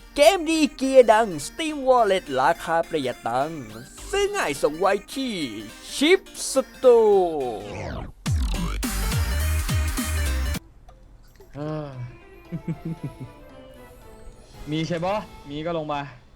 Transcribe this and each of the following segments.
เกมดีเกียร์ดัง Steam Wallet ราคาประหยัดตังค์ซื้อง่ายส่งไวที่ชิปสโตร์มีใช่ปะมีก็ลงมา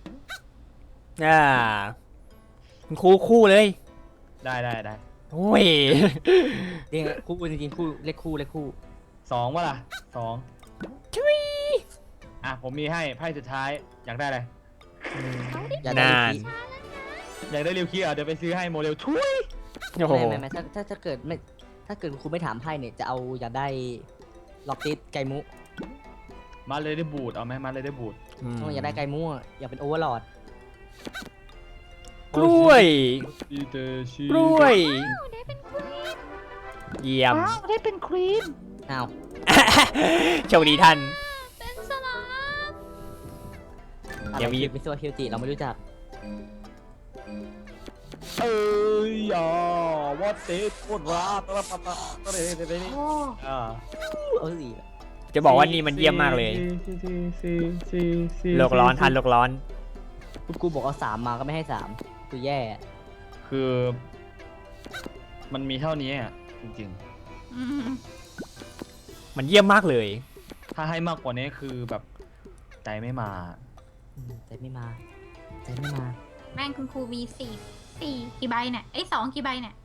คุณครูคู่เลยได้โอ้ยจริงคู่จริงๆคู่เลขคู่สองวะล่ะสองทุยอ่ะผมมีให้ไพ่สุดท้ายอยากได้อะไรอย่าได้นานอยากได้ริวคีอ่ะเดี๋ยวไปซื้อให้โมเดลทุยโอ้โหไม่ถ้าเกิดไม่ถ้าเกิดคุณไม่ถามไพ่เนี่ยจะเอาอยากได้ล็อกติสไกมุมาเลยได้บูดเอาไหมมาเลยได้บูดอยากได้ไกมุอยากเป็นโอเวอร์ลอดกล้วยอีเตชิกล้วยเยี่ยมได้เป็นควีนอ้าวโชคดีท่านเป็นสลามอะไรอย่ามีมิสวาคิวจิเราไม่รู้จักเอ้ยอย่าวอตเตสโคตรรักตะปะปะตะเรเรอ่าเอาสิจะบอกว่านี่มันเยี่ยมมากเลย โลกร้อนทันโลกร้อนคุณครูบอกเอา3มาก็ไม่ให้3คือแย่คือมันมีเท่านี้อ่ะจริงมันเยี่ยมมากเลยๆถ้าให้มากกว่านี้คือแบบใจไม่มาใจไม่มาแม่งคุณครูมีสี่กี่ใบเนี่ยไอ้สองกี่ใบเนี่ย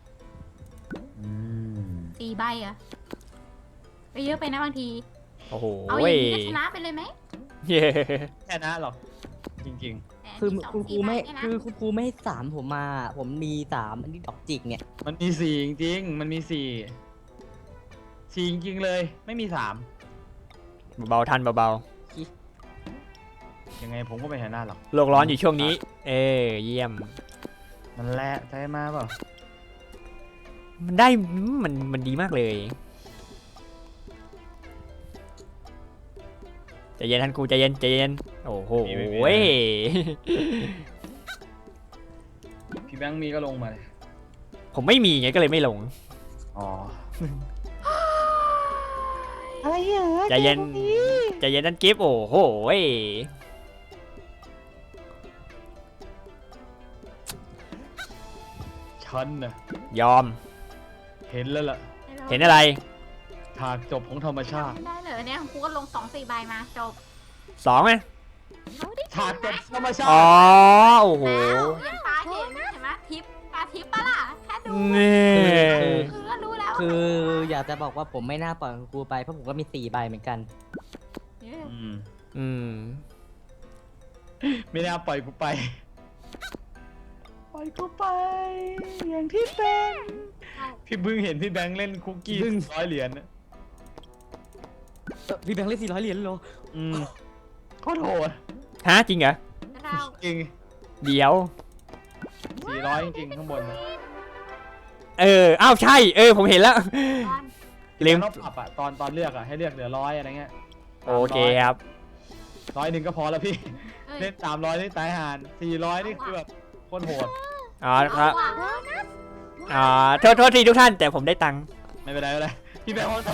สี่ใบเหรอะไปเยอะไปนะบางทีโอ้โหเอาอย่างนี้ก็ชนะไปเลยไหมเย้แค่นั้นหรอกจริงแต่คือมีสองคุณครูสี่ใบไม่เนี่ยนะคือคุณครูไม่ให้3ผมมาผมมี3อันนี้ดอกจิกเนี่ยๆ มันมีสี่จริงๆมันมีสี่จริงๆเลยไม่มีสามเบาๆทันเบายังไงผมก็ไม่เห็นหน้าหรอกๆโลกร้อนอยู่ช่วงนี้ เยี่ยมมันแหละใจมาเปล่ามันได้มันดีมากเลยใจเย็นท่านครูใจเย็นโอ้โหพี่แบงค์มีก็ลงมาเลยผมไม่มีไงก็เลยไม่ลงอ๋ออะไรเหรอใจเย็นท่านกิฟต์โอ้โหฉันน่ะยอมเห็นแล้วล่ะเห็นอะไรฉากจบของธรรมชาติไม่ได้เลยเนี่ยคุณครูก็ลงสองสี่ใบมาจบ 2ไหมเอาดิฉากจบธรรมชาอ๋อติโอ้โหแล้วยังตาเห็นไหมทิปตาทิปปะล่ะแค่ดูนี่คือก็รู้แล้วคืออยากจะบอกว่าผมไม่น่าปล่อยคุณครูไปเพราะผมก็มี4ใบเหมือนกันเนี่ยอืมไม่น่าปล่อยกูไป ปล่อยกูไป อย่างที่เป็นพี่บึ้งเห็นพี่แบงค์เล่นคุกกี้บึ้ง 100 เหรียญน่ะพี่แบงค์เล่น400 เหรียญเลยเหรอโคตรโหดฮะจริงเหรอเราจริงเดี๋ยว 400 จริงๆข้างบนน่ะอ้าวใช่ ผมเห็นแล้วตอนลืมแล้วปรับอะตอนเลือกอะให้เลือกเหลือ100อะไรเงี้ยโอเคครับ 100ก็พอแล้วพี่เอ้ยเล่น300นี่ตายห่าน400นี่คือแบบโคตรโหดอ๋อครับเอาว่ะโทษทีทุกท่านแต่ผมได้ตังค์ไม่เป็นไรไม่เป็นไรพี่แบงค์เขา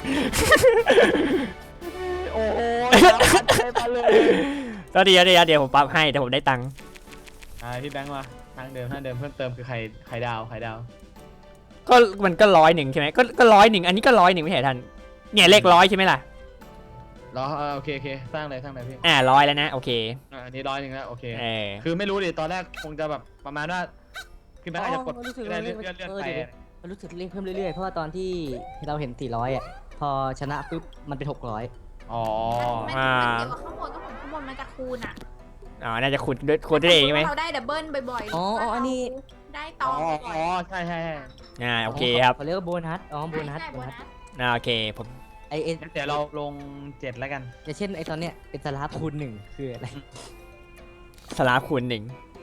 โอ้โหได้มาเลยก็เดี๋ยวผมปรับให้แต่ผมได้ตังค์พี่แบงค์มาทางเดิมเพิ่มเติมคือไข่ดาวก็มันก็100ใช่ไหมก็100อันนี้ก็100ไม่ใช่ท่านเนี่ยเลข100ใช่ไหมล่ะรอโอเคสร้างเลยพี่ 100แล้วนะโอเคอันนี้100แล้วโอเคคือไม่รู้ดิตอนแรกคงจะแบบประมาณว่าพี่แบงค์อาจจะกดรู้สึกเลื่ว่าอนไปมันรู้สึกเลขเพิ่มเรื่อยๆเพราะว่าตอนที่เราเห็น400อ่ะพอชนะปุ๊บมันเป็น600 อ๋อมันเกี่ยวกับข้างบนก็ของข้างบนมันจะคูณอ่ะน่าจะคุณได้เองใช่ไหมเราได้ดับเบิลบ่อยๆอ๋ออันนี้ได้ตองบ่อยใช่โอเคครับเขาเรียกว่าโบนัสโบนัสได้โบนัสโอเคผมไองั้นเดี๋ยวเราลง7แล้วกันอย่างเช่นไอตอนเนี้ยเป็นสลาฟคูณ1คืออะไรสลาฟคูณ1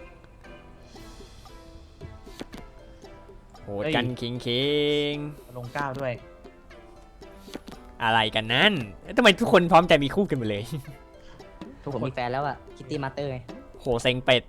โหดกันคิงลง9ด้วยอะไรกันนั่นทำไมทุกคนพร้อมใจมีคู่กันหมดเลยทุกผมมีแฟนแล้วอ่ะคิตตี้มาสเตอร์ไงโหเซ็งเป็ด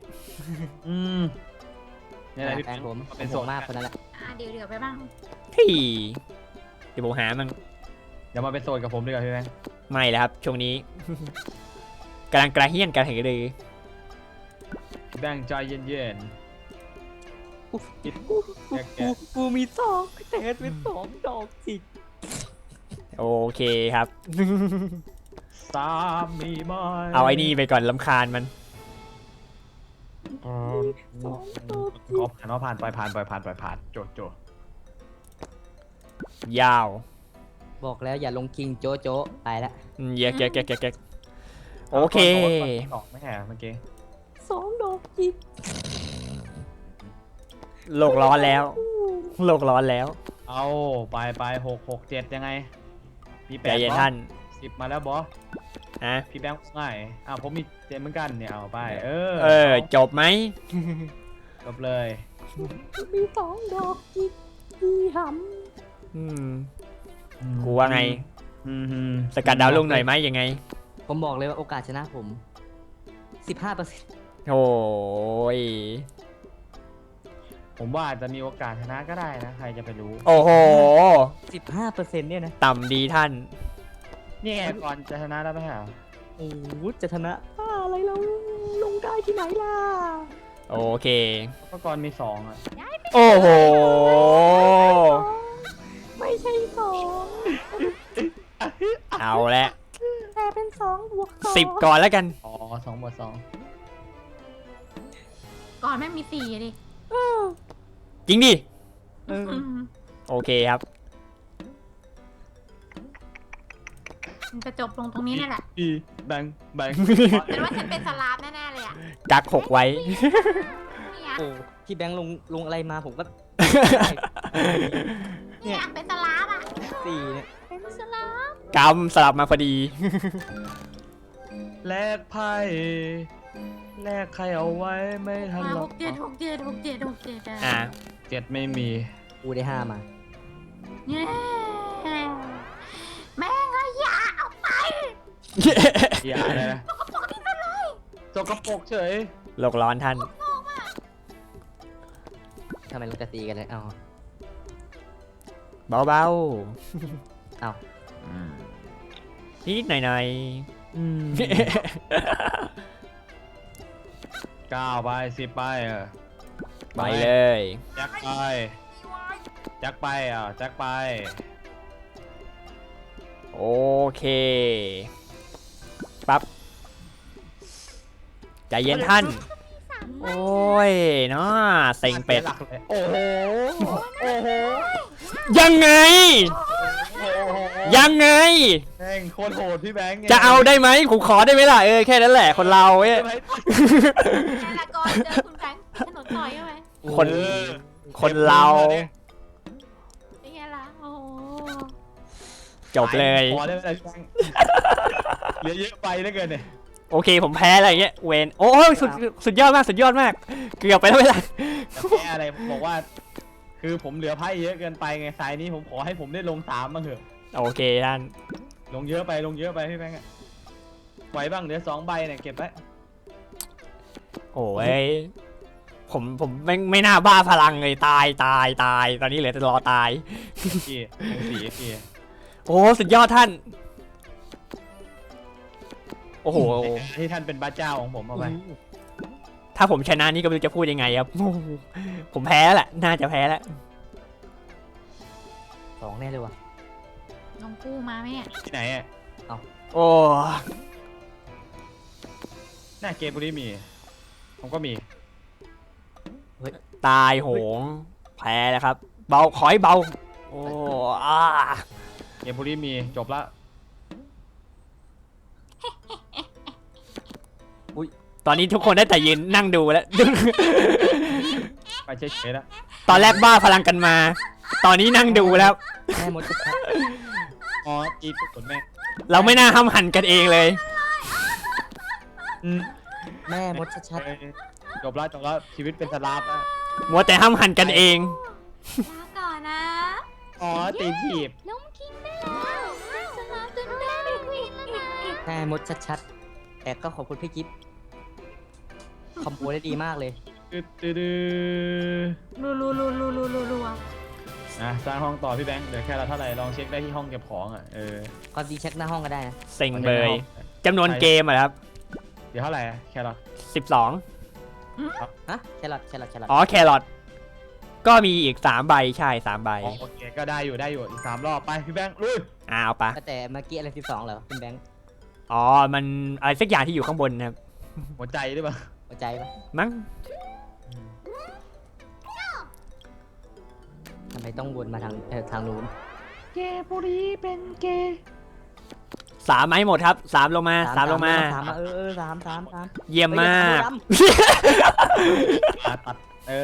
นี่แหละพี่แฟนผมเป็นโหโสดดมากคนนั้นแหละเดี๋ยวไปบ้างที่เดี๋ยวผมหามั่งเดี๋ยวมาเป็นโสดกับผมดีกว่าพี่แบงค์ไม่แล้วครับช่วงนี้กำลังกระเฮี้ยนกระหือรือแบงค์ใจเย็นกูๆคิดกูแกะกูมีสองแต่เป็นสองดอกจิกโอเคครับสามมีไหมเอาไอ้นี่ไปก่อนลำคาญมันสองดอกขอผ่านผ่านไปผ่านโจยาวบอกแล้วอย่าลงคิงโจโจไปละเยอะโอเคสองไม่แห่เมื่อกี้สองดอกจิกโลกร้อนแล้ว โลกร้อนแล้วเอาไป6 7ยังไงพี่ใจแปดเย็นท่าน 10มาแล้วบอสฮะพี่แบงค์ง่ายผมมี7เหมือนกันเนี่ยเอาไปจบไหมจบเลยมีสองดอกจิกดีหอืม กูว่าไง สกัดดาวลุ่งหน่อยไหมยังไงำผมบอกเลยว่าโอกาสชนะผม 15% โอ้ยผมว่าอาจจะมีโอกาสชนะก็ได้นะใครจะไปรู้โอ้โห 15%เนี่ยนะต่ำดีท่านนี่ไงก่อนจะชนะได้ไหมฮะโอ้โหจะชนะอะไรเราลงได้ที่ไหนล่ะโอเคก็ก่อนมี2อ่ะโอ้โหไม่ใช่สองเอาละแต่เป็น2 บวก 10 ก่อนแล้วกัน 2 บวก 2 ก่อนแม่งมีสี่ดิจริงดิเออโอเคครับมันจะจบลงตรงนี้นี่แหละพี่แบงค์เป็นว่าฉันเป็นสลาฟแน่ๆเลยอ่ะกัก6ไว้เนี่ยโอ้พี่แบงค์ลงอะไรมาผมก็เนี่ยเป็นสลาฟอ่ะ 4เนี่ยเป็นสลาฟกำสลับมาพอดีแลกไพ่แลกใครเอาไว้ไม่ทันมาหรหอกกเจ็ดอ่ะ 7ไม่มีกูได้ 5 มาเนี่ยแม่งอะอย่าเอาไปอย่าเลยนะสกปรกเฉยโลกร้อนท่านทำไมเราจะตีกันเลยเอาเบาเอาๆนิดหน่อยอืม 9ไป10ไปๆ ไปเลยแจ็คไปแจ็คไปแจ็คไปโอเคปั๊บใจเย็นท่าน โอ้ยเนาะเซ็งเป็ดหลักเลยโอ้โหโอ้โหยังไง ยังไงแม่งโคตรโหดพี่แบงค์จะเอาได้ไหมผมขอได้ไหมล่ะแค่นั้นแหละคนเราเว้ยแม่ละก่อนเจอคุณแบงค์ถนนต่อยใช่ไหมคนเราเป็นไงล่ะโอ้โหจบเลยพอได้ไหมพี่แบงค์เหลือเยอะไปเหลือเกินเนี่ยโอเคผมแพ้อะไรอย่างเงี้ยเวนโอ้ยสุดยอดมากสุดยอดมาก เกือบไปแล้วเวลาแพ้อะไรบอกว่า คือผมเหลือไพ่เยอะเกินไปไงสายนี้ผมขอให้ผมได้ลง3บ้างเถอะโอเคท่านลงเยอะไปพี่แบงค์อะไหวบ้างเหลือ2ใบเนี่ยเก็บไว้โอ้ยผมไม่น่าบ้าพลังเลยตายตอนนี้เหลือแต่รอตายพี่ลง4พี่โอ้สุดยอดท่าน โอ้โหที่ท่านเป็นบ้าเจ้าของผมเอาไปถ้าผมชนะนี่ก็ไม่รู้จะพูดยังไงครับโอ้โหผมแพ้แหละน่าจะแพ้แล้ว 2 แน่เลยว่ะน้องกู้มาไหมเนี่ยที่ไหนอ่ะโอ้หน้าเกมบุรีมีผมก็มีตายโหงแพ้แล้วครับ เบาขอให้เบาโอ้อาเกมบุรีมีจบละตอนนี้ทุกคนได้แต่ยืนนั่งดูแล้วไปเฉยๆแล้วตอนแรกบ้าพลังกันมา ตอนนี้นั่งดูแล้วแม่มดชัดอ๋อจีบกดแม่เราไม่น่าห้ามหันกันเองเลยๆแม่มดชัดจบละชีวิตเป็นสลาฟแล้วมัวแต่ห้ามหันกันเองลาก่อนนะอ๋อตีถีบล้มคิงได้แล้วสลาฟตื่นเต้นเป็นควีนแล้วนะๆแม่มดชัดๆแต่ก็ขอบคุณพี่กิฟต์คอมโบได้ดีมากเลยรัวสร้างห้องต่อพี่แบงค์เดี๋ยวแค่เราเท่าไหร่ลองเช็คได้ที่ห้องเก็บของอ่ะความจริงเช็คหน้าห้องก็ได้นะเซ็งเบยจำนวนเกมอะครับเดี๋ยวเท่าไหร่แครอท 12 ฮะแครอทอ๋อแครอทก็มีอีก3ใบใช่3ใบโอเคก็ได้อยู่อีก3 รอบไปพี่แบงค์ลุยเอาปะแต่เมื่อกี้อะไร12เหรอคุณแบงค์อ๋อมันอะไรสักอย่างที่อยู่ข้างบนนะครับหัวใจหรือเปล่าหัวใจปะมั้งทำไมต้องวนมาทางนู้นเกย์บุรีเป็นเกย์ 3ไหมหมดครับ3ลงมา3ลงมาสามสามเยี่ยมมากตัด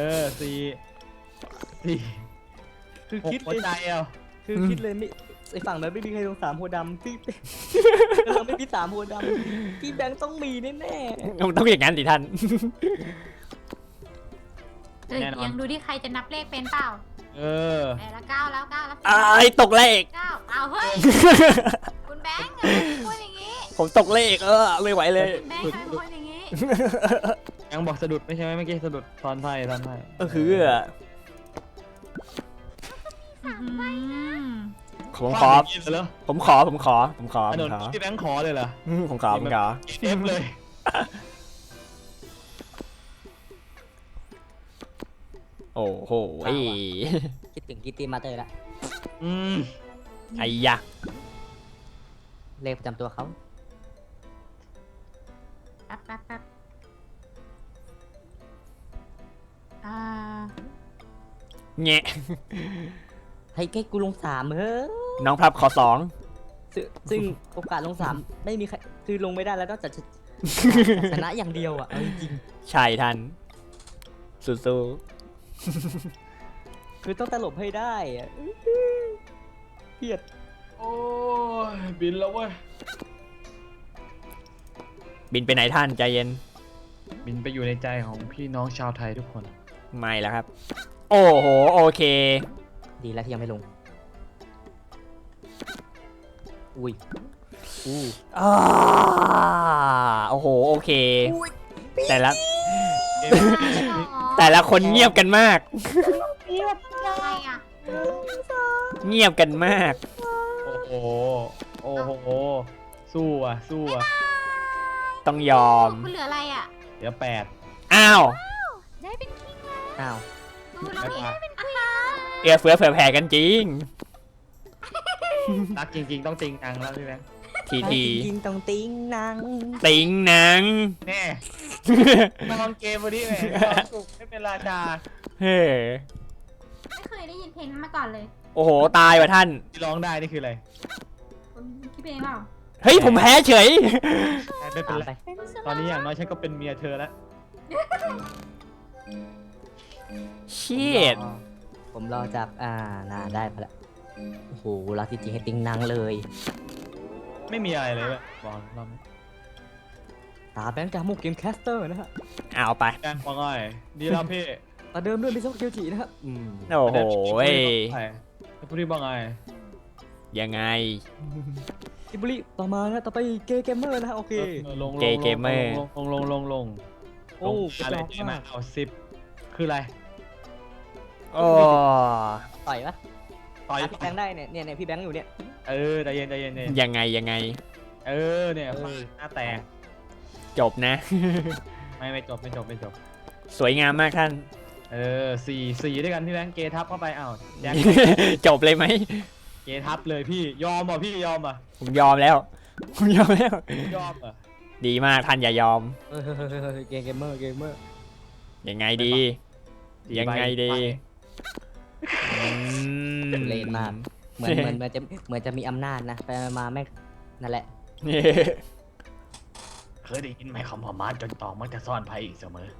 4คือคิดหัวใจเอาคือคิดเลยไม่ไอฝั่งนั้นไม่มีใครลง3โพธิ์ดำพี่เราไม่มี3โพธิ์ดำพี่แบงค์ต้องมีแน่ต้องอย่างนั้นสิท่านยังดูที่ใครจะนับเลขเป็นเปล่า แล้ว9แล้ว9แล้วตกเลข 9เอาเฮ้ย คุณแบงค์พูดอย่างนี้ผมตกเลขไม่ไหวเลยคุณแบงค์ทำไมพูดอย่างนี้ยังบอกสะดุดไม่ใช่ไหมเมื่อกี้สะดุดตอนไพ่คือ ผมขอ ผมขอถนนพี่แบงค์ขอเลยเหรอผมขอเอฟเลยโอ้โหๆคิดถึงกิตตี้มาเตอร์ละไอ้ยะเลขประจำตัวเขาแป๊บแงะให้กูลง3เฮ้ยน้องพับขอซึ่งโอกาสลง3ไม่มีใครคือลงไม่ได้แล้วนอกจากชนะอย่างเดียวอ่ะเอาจริง 2ใช่ท่านสู้ๆคือต้องตลบให้ได้อ่ะเครียดโอ้ยบินแล้วเว้ยบินไปไหนท่านใจเย็นบินไปอยู่ในใจของพี่น้องชาวไทยทุกคนไม่แล้วครับ โอ้โหโอเคดีแล้วที่ยังไม่ลงอุ้ยโอ้โหโอเค แต่ละคนเงียบกันมากอะไรอ่ะเงียบกันมากโอ้โหสู้อ่ะต้องยอมคุณเหลืออะไรอ่ะเดี๋ยว8 อ้าวได้เป็นคิงแล้วอ้าวดูเราเองเป็นคิงเอื้อเฟื้อเผื่อแผ่กันจริงรักจริงๆต้องจริงจังแล้วพี่แบงค์ทีจริงๆต้องติ้งนางติงหนังแน่นอนเกมวันนี้แหมสุขไม่เป็นราชาเฮ้ไม่เคยได้ยินเพลงนั้นมาก่อนเลยโอ้โหตายว่ะท่านที่ร้องได้นี่คืออะไรคุณคิดเพลงเปล่าเฮ้ยผมแพ้เฉยไม่เป็นตามไรไปตอนนี้อย่างน้อยฉันก็เป็นเมียเธอแล้วชีดผมรอจากน่าได้ไปละโอ้โหรักจริงๆให้ติ้งนางเลยไม่มีอะไรเลยเว้ยบอกรอบนี้ตาแบงค์จากมุกเกมแคสเตอร์นะฮะเอาไปแจ้งว่าไงดีแล้วพี่ตาเดิมด้วยมิโซะเกียวจินะฮะโอ้โหให้พูดได้บ้างไงยังไงอิบุริต่อมานะต่อไปเกย์เกมเมอร์นะฮะโอเคลงเกย์เกมเมอร์ลงโอ้อะไรกระจอกเจ๊มามากเอา10คืออะไรโอ้ต่อยปะต่อยพี่แบงค์ได้เนี่ยพี่แบงค์อยู่เนี่ยใจเย็นยังไงเนี่ยฟาดหน้าแตกจบนะไม่จบสวยงามมากท่าน 4ด้วยกันพี่แบงค์เกทับเข้าไปอ้าวแจ็คจบเลยไหมเกทับเลยพี่ยอมอ่ะพี่ยอมอ่ะผมยอมแล้วยอมอ่ะดีมากท่านอย่ายอมเกย์เกมเมอร์ยังไงดียังไงดีเลนมากเหมือนจะมีอำนาจนะไปมาแม่งนั่นแหละเคยได้ยินไหมคำว่ามาจนตองมักจะซ่อนภัยอีกเสมอ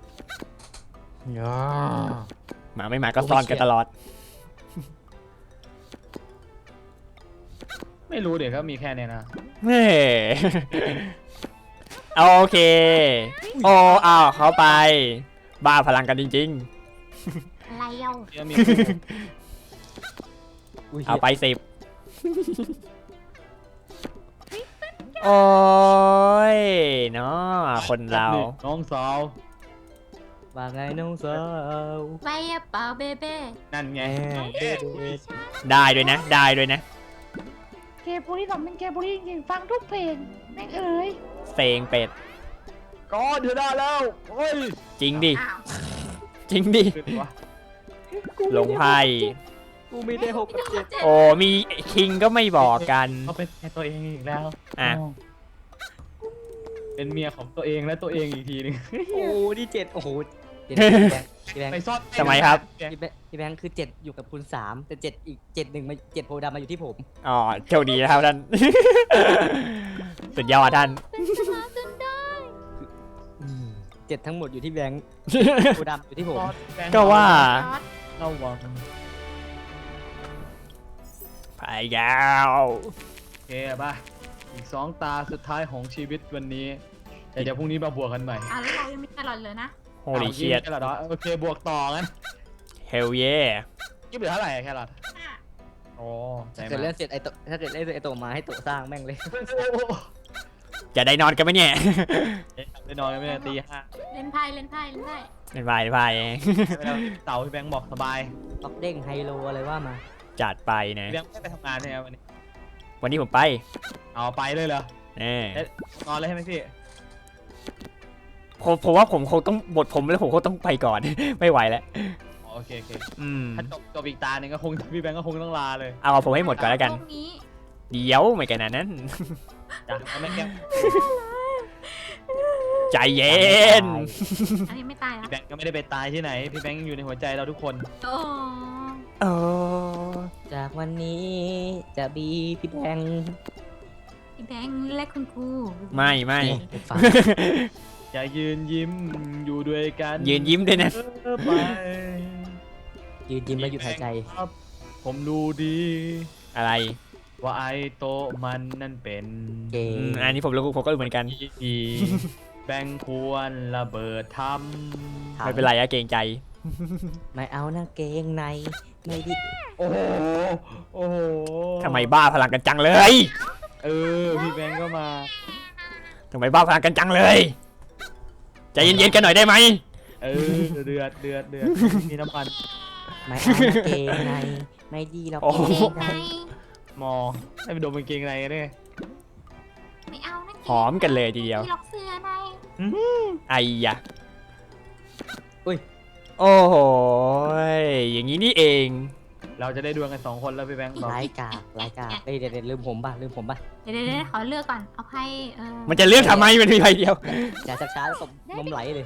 มาไม่มาก็ซ่อนกันตลอดไม่รู้เดี๋ยวก็มีแค่เนี้ยนะเฮ้โอเค โอ้อ้าวเขาไป บ้าพลังกันจริงอะไรเย้าเดี๋ยวมีๆ เอาไป10 โอ้ยเนาะคนเราน้องสาวว่าไงน้องสาวไปอะเปล่าเบเบ้นั่นไงได้ด้วยนะเกมบุรีสองเป็นเกมบุรีจริงๆฟังทุกเพลงแม่งเอ๋ยเซงเป็ดก้อนชนะแล้วเฮ้ยจริงดิอ้าวจริงดิขึ้นวะลงไพ่กูมีได้6 กับ 7 โอ้มีคิงก็ไม่บอกกันเขาเป็นแม่ตัวเองอีกแล้วอ่ะเป็นเมียของตัวเองและตัวเองอีกทีนึงโอ้ที่7โอ้โหพี่แบงไปค์ซ่อนทำไมครับพี่แบงค์คือ7อยู่กับคุณ3แต่7อีก7 1มา7โพธิ์ดำมาอยู่ที่ผมอ๋อโชคดีนะครับท่าน สุดยอดท่านเป็นชนะจนได้ 7ทั้งหมดอยู่ที่แบงค์โพธิ์ดำอยู่ที่ผมก็ว่าจอร์จระวังไปแล้วโอเคป่ะอีก2 ตาสุดท้ายของชีวิตวันนี้แต่เดี๋ยวพรุ่งนี้มาบวกกันใหม่อ่ะแล้วเรายังมีแครอทเลยนะโฮลี่เชียดแครอทเหรอโอเคบวกต่องั้นเฮลเย่ยี่เหลือเท่าไหร่อะแครอทอ่ะโอ้ใจถ้าเกิดมาเล่นเสร็จถ้าเกิดเล่นเสร็จไอโตมาให้โตสร้างแม่งเลยจะได้นอนกันไหมเนี่ยไปนอนกันไม่ได้ตี 5 เล่นไพ่เล่นไพ่เล่นไพ่เป็นไปเป็นไปเต่าพี่แบงค์บอกสบายตอกเด้งไฮโลอะไรว่ามาจัดไปนะพี่แบงค์ไม่ไปทำงานใช่ไหมวันนี้วันนี้ผมไปเอาไปเลยเหรอเน่นอนเลยใช่ไหมพี่ผมว่าผมคงต้องบทผมแล้วผมคงต้องไปก่อน ไม่ไหวแล้วโอเคโอเคอืมถ้าจบอีกตาหนึ่งก็คงพี่แบงค์ก็คงต้องลาเลยเอาผมให้หมดก่อนแล้วกันพรุ่งนี้เดี๋ยวไม่กันนั้นจ้ะเอาไม่แก้วใจเย็นอันนี้ไม่ตายพี่อ่ะแบงค์ก็ไม่ได้ไปตายที่ไหนพี่แบงค์ยังอยู่ในหัวใจเราทุกคนโอ้โอ้จากวันนี้จะบีพี่แบงค์พี่แบงค์และคุณครูไม่ไม่ฟังจะยืนยิ้มอยู่ด้วยกันยืนยิ้มด้วยนะไปยืนยิ้มแล้วหยุดหายใจครับผมรู้ดีอะไรว่าไอโตะมันนั่นเป็นเก่งอันนี้ผมรู้ผมก็รู้เหมือนกันดีแบงค์ควรระเบิดทำไม่เป็นไรอะเกรงใจไม่เอานะเกงในไม่ดิโอ้โหโอ้โหทำไมบ้าพลังกันจังเลยเออพี่แบงค์ก็มาทำไมบ้าพลังกันจังเลย ใจเย็นๆกันหน่อยได้ไหมเออเดือดมีน้ำมันไม่เอานะเกงในไม่ดีหรอกโอ้โหเกงในมอให้ไปดมกางเกงในกันด้วยไม่เอานะหอมกันเลยทีเดียวพี่ล็อกเสื้อในไอ้ยะโอ้โหอย่างนี้นี่เองเราจะได้ดวลกัน2 คนแล้วพี่แบงค์บอกร้ายกาจร้ายกาจเอ้ยเดี๋ยวลืมผมป่ะลืมผมป่ะเดี๋ยวขอเลือกก่อน เอาไพ่มันจะเลือกทำไมมันมีใบเดียวอย่าช้าๆแล้วตบนมไหลเลย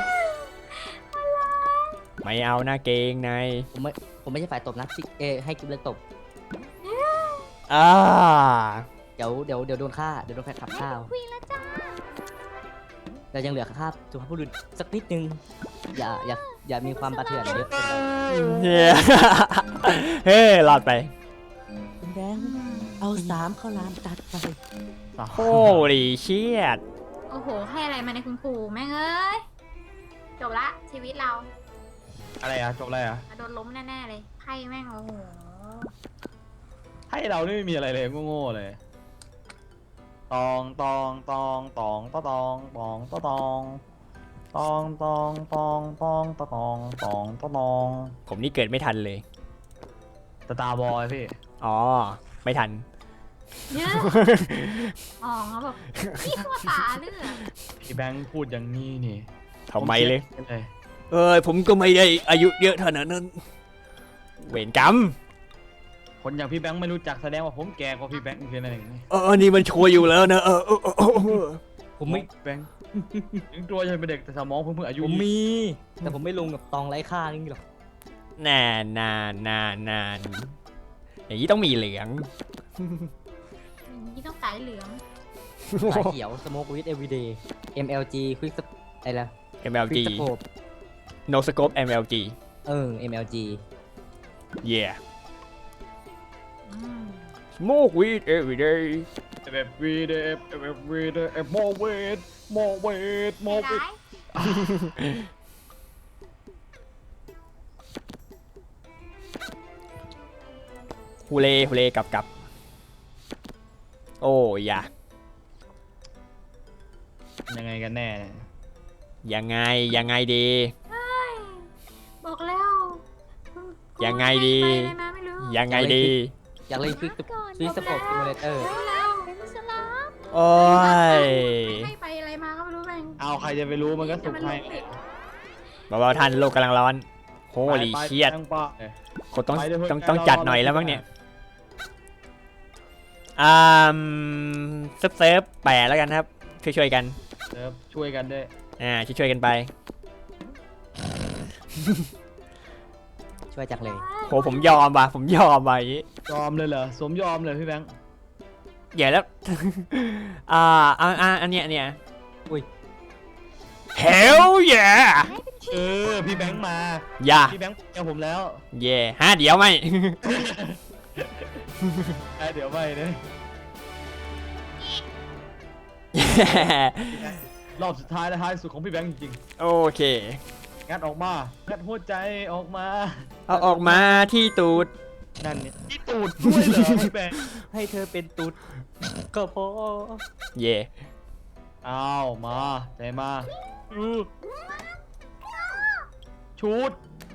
ไม่เอาหน้าเกงในผมไม่ใช่ฝ่ายตบนะที่ให้กิฟเลือกตบอ่าเดี๋ยวโดนฆ่าเดี๋ยวโดนใครขับข้าวคุยแล้วจ้าเรายังเหลือค่าสุภาพบุรุษสักนิดนึงอย่ามีความประเถื่อนเยอะเกินไปเนี่ย เฮ้ยรอดไปคุณแบงค์เอา3ข้าวหลามตัดไปโอ้ดิเชียดโอ้โห ให้อะไรมาในคุณครูแม่งเอ้ย จบละชีวิตเราอะไรอ่ะจบอะไรอ่ะโดนล้มแน่ๆเลย ไพ่แม่งโอ้โหให้เรานี่ไม่มีอะไรเลยโง่ๆเลยตองตองตองตองตองตองตองตองตองตองตองตองตองตองตองผมนี่เกิดไม่ทันเลยสตาร์บอยพี่อ๋อ ไม่ทันเนี่ยอ๋อเขาแบบพี่ตัวตาเลือดพี่แบงค์พูดอย่างนี้นี่ทำไมเลยผมเลยผมก็ไม่ได้อายุเยอะเท่านั้น เวรกรรมคนอย่างพี่แบงค์ไม่รู้จักแสดงว่าผมแก่กว่าพี่แบงค์คืออะไรอย่างนี้นี่มันชัวร์อยู่แล้วนะผมไม่แบงค์ถึงตัวจะเป็นเด็กแต่สมองเพิ่งอายุผมมี แต่ผมไม่ลงกับตองไร้ค่านี่หรอกนานอย่างนี้ต้องมีเหลืองนี่ต้องสายเหลืองสายเขียว smoke with everyday MLG quick อะไรล่ะ MLG quick scope no scope MLG MLG yeah อืม smoke weed every day every day more weight more weight ไม่ more ร้า weight ยฮูเล่กลับ โอ้ยะยังไงกันแน่เนี่ยยังไงดีบอกแล้วคุณยังไงดีไปอะไรมาไม่รู้ยังไงดีอยากเล่น quick scope simulator รู้แล้วเป็นสลามโอ้ยให้ไปอะไรมาก็ไม่รู้แม่งเอาใครจะไปรู้มันก็สุกให้เบาๆท่านโลกกำลังร้อนโฮลีไปเชียดแป้งป้าคนต้องไปเดี๋ยวต้องเราจัดรอหน่อยแล้วรอบ้างเนี่ยอ่าเซิร์ฟแปะแล้วกันครับช่วยๆกันเดี๋ยวช่วยกันด้วยช่วยๆกันไปช่วยจักเลยโหผมยอมว่ะผมยอมว่ะอย่างงี้ยอมเลยเหรอสมยอมเลยพี่แบงค์อย่าแล้ว อันเนี้ยอุ้ย Hell yeah พี่แบงค์มาอย่าพี่แบงค์เอาผมแล้วเย่ฮะเดี๋ยวไม่เดี๋ยวไปเนี่ย รอบสุดท้ายและท้ายสุดของพี่แบงค์จริงโอเคๆงัดออกมางัดหัวใจออกมาเอาออกมาที่ตูดนั่นเนี่ยที่ตูดด้วยเหรอพี่แบงค์ให้เธอเป็นตุ๊ดก็พอเย่เอามาใจมาชุด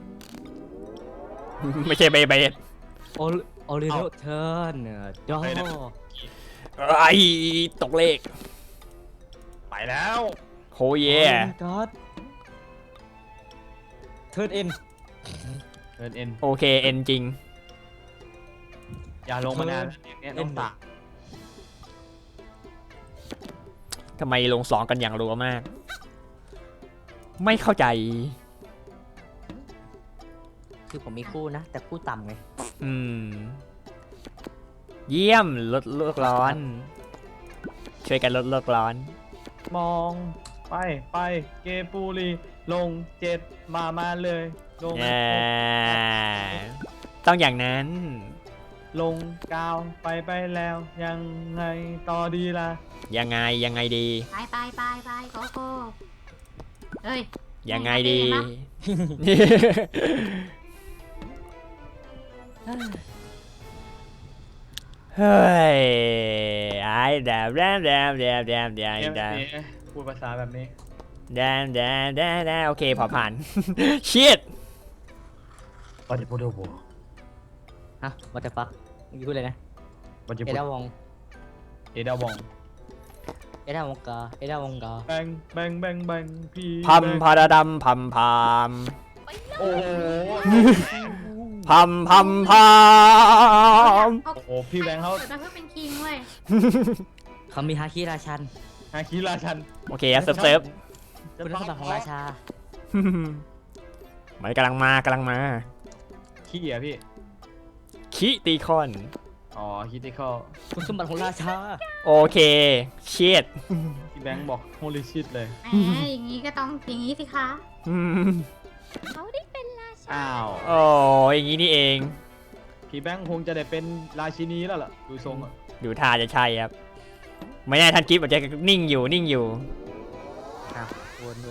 ไม่ใช่เบเบดโอริโนเทิร์นจอไอ้ตกเลขไปแล้วโหเย่ก็เทิร์นเอ็นเดินเอ็นโอเคเอ็นจริงอย่าลงมานานเนี่ยน้องตาทำไมลงสองกันอย่างรัวมาก ไม่เข้าใจคือผมมีคู่นะ แต่คู่ต่ำไงอืม เยี่ยมลดโลกร้อน ช่วยกันลดโลกร้อนมองไปเกปูรีลง7มาเลยลงต้องอย่างนั้นลง9ไปแล้วยังไงต่อดีล่ะยังไงดีไปโกโก้เฮ้ยยังไงดี เฮ้ยไอ้แดมพูดภาษาแบบนี้โอเคพอผ่าน ชิดบัจจิพูดโบฮะวัตถุฟักเมื่อกี้พูดเลยนะบัจจิเอพูดดาวองเอดาวองเอดาวงกาเอดาวงกาแบงพี่พัมพาราดัมพัมพามโอ้โหพัมพามโอ้โอ้โหพี่แบงค์เขาเกิดมาเพื่อเป็นคิงเว้ยเขามีฮาคิราชันฮาคิราชันโอเคเซิร์ฟคุณสมบัติของราชามันกำลังมาขี้อ่ะพี่คิตีคอนอ๋อคิติคอลคุณสมบัติของราชาโอเคชิดพี่แบงค์บอกโฮลิชิตเลยแหมอย่างนี้ก็ต้องอย่างนี้สิคะ เขาได้เป็นราชาอ้าวโอ้อย่างนี้นี่เองพี่แบงค์คงจะได้เป็นราชินีแล้วล่ะดูทรงอ่ะดูท่าจะใช่ครับ ไม่แน่ท่านกิฟต์อาจจะนิ่งอยู่ครับวน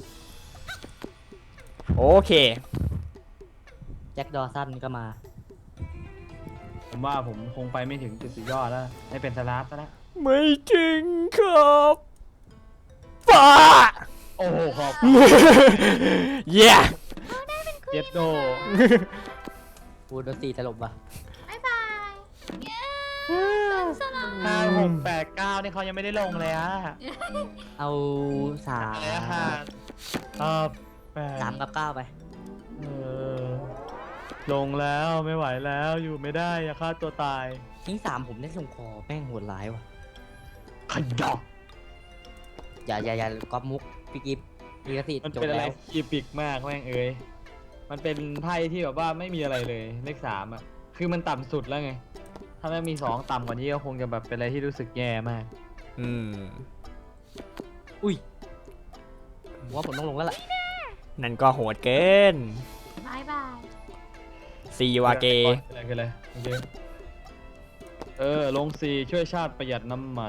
โอเคแจ็คดอสันก็มาผมว่าผมคงไปไม่ถึงจุดสุดยอดแล้วให้เป็นสลาฟซะแล้วไม่จริงครับป้าโอ้โหขอบเย่เจ็ดโดพูดโดนตีตลบว่ะบ๊ายบายเย้สลา 5 6 8 9นี่เขายังไม่ได้ลงเลยอะเอาสามอะไรอะแปด 3 กับ 9 ไปเออลงแล้วไม่ไหวแล้วอยู่ไม่ได้อย่าฆ่าตัวตายทิ้ง3ผมได้ลงคอแม่งโหดร้ายว่ะขยอกอย่าก๊อปมุกพี่กิฟต์มีกระสีมันจบเป็นอะไรแล้วอีปิกมากแม่งเอ้ยมันเป็นไพ่ที่แบบว่าไม่มีอะไรเลยเลข3อ่ะคือมันต่ำสุดแล้วไง ถ้าไม่มี2ต่ำกว่านี้ก็คงจะแบบเป็นอะไรที่รู้สึกแย่มากอืมอุ้ยผมว่าผมต้องลงแล้วล่ะนั่นก็โหดเกินบายบายซีวาเกคืออะไรโอเคลง4ช่วยชาติประหยัดน้ำมัน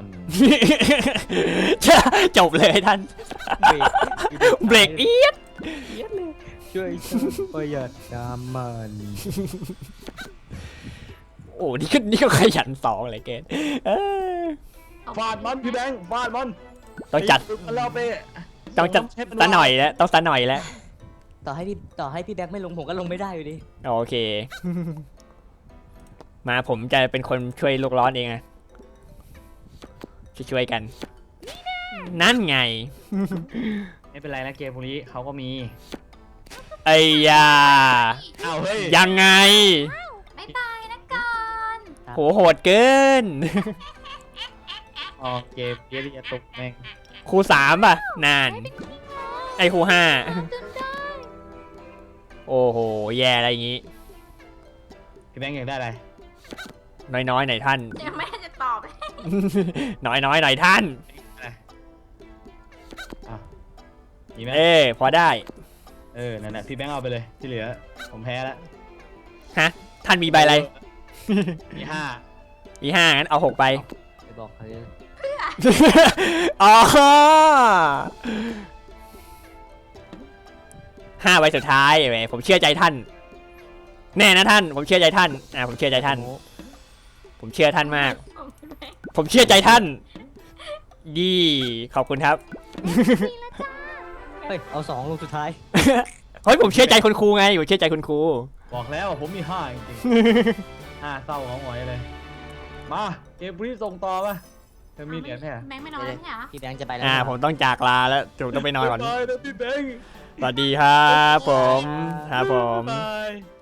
จบเลยท่าน เบรกเอียดช่วยฉันประหยัดน้ำมันโอ้นี่ก็ขยันสองเลยเกณฑ์เอ้ยฟาดมันพี่แบงค์ฟาดมันต้องจัดเราไปต้องจัดซะหน่อยแล้วต้องซะหน่อยแล้วต่อให้พี่แบ็คไม่ลงผมก็ลงไม่ได้อยู่ดีโอเค มาผมจะเป็นคนช่วยโลกร้อนเองอะช่วยกันนั่นไงไม่เป็นไรนะเกมพวกนี้เขาก็มีไอ้ยาอ้าวเฮ้ยยังไงบ๊ายบายนะก่อนโหโหดเกินอ๋อเกมเยอะจะตกแม่งครู3ป่ะนาน ไอ้ครู5 จนได้โอ้โห แย่อะไรอย่างงี้พี่แบงค์อยากได้อะไรน้อยๆหน่อยท่านเดี๋ยวแม่จะตอบน้อยๆหน่อยท่านอะไรอ่ะมีไหมพอได้นั่นแหละพี่แบงค์เอาไปเลยที่เหลือผมแพ้แล้วฮะ ท่านมีใบอะไรมี5 มี5งั้นเอา6ไปไปบอกเขาเลยอ๋อ5ใบสุดท้ายแหมผมเชื่อใจท่าน แน่นะท่าน ผมเชื่อใจท่านผมเชื่อใจท่าน ผมเชื่อท่านมาก ผมเชื่อใจท่านยี่ขอบคุณครับเฮ้ย เอา2ลูกสุดท้ายเฮ้ยผมเชื่อใจคุณครูไงผมเชื่อใจคุณครูบอกแล้วว่าผมมี5จริงๆ5เศร้าของหอยเลยมาเกมพวกนี้ส่งต่อป่ะเธอมีเหรียญแค่แบงค์ไม่นอนแล้วใช่เหรอพี่แบงค์จะไปแล้วผมต้องจากลาแล้วผมต้องไปนอนก่อนบ๊ายบายนะพี่แบงค์สวัสดีครับผมครับผมบ๊ายบาย